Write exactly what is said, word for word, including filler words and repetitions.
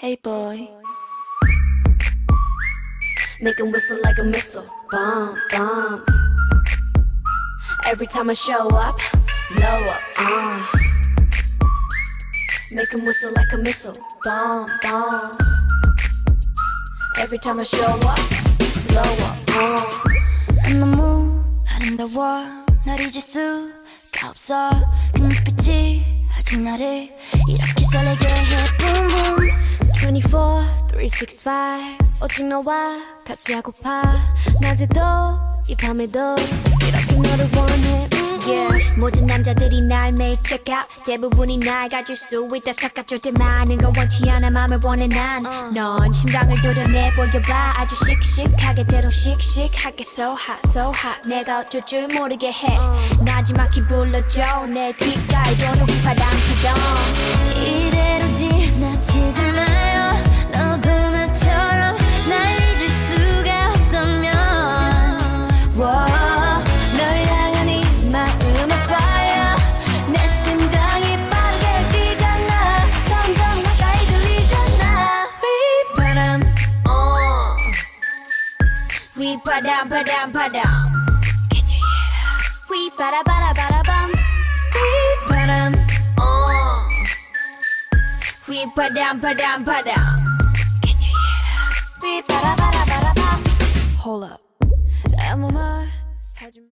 Hey boy. Make 'em whistle like a missile. Bomb, bomb. Every time I show up, blow up, uh. Make 'em whistle like a missile. Bomb, bomb. Every time I show up, blow up, uh. 너무 아름다워 널 잊을 수가 없어 그 눈빛이 아직 나를 이렇게 설레게 해 Boom boom twenty-four, three sixty-five 오직 너와 같이 하고파 낮에도 이 밤에도 이렇게 너를 원해 mm-mm. Yeah. 모든 남자들이 날 매일 check out 대부분이 날 가질 수 있다 착각할 때 많은 건 원치 않아 맘을 원해 난넌 uh. 심장을 도려내 보여봐 아주 씩씩하게 때로 씩씩하게 So hot so hot 내가 어쩔 줄 모르게 해 uh. 나지막히 불러줘 내 귓가에 도는 휘파람처럼 이대로 지나치지 마요 너도 나처럼 날 잊을 수가 없다면 wow. We padam padam padam. Can you hear that? We bada bada bada bum. We padam. Oh. We padam padam padam. Can you hear that? We bada bada bada bum. Hold up 아무 말 하지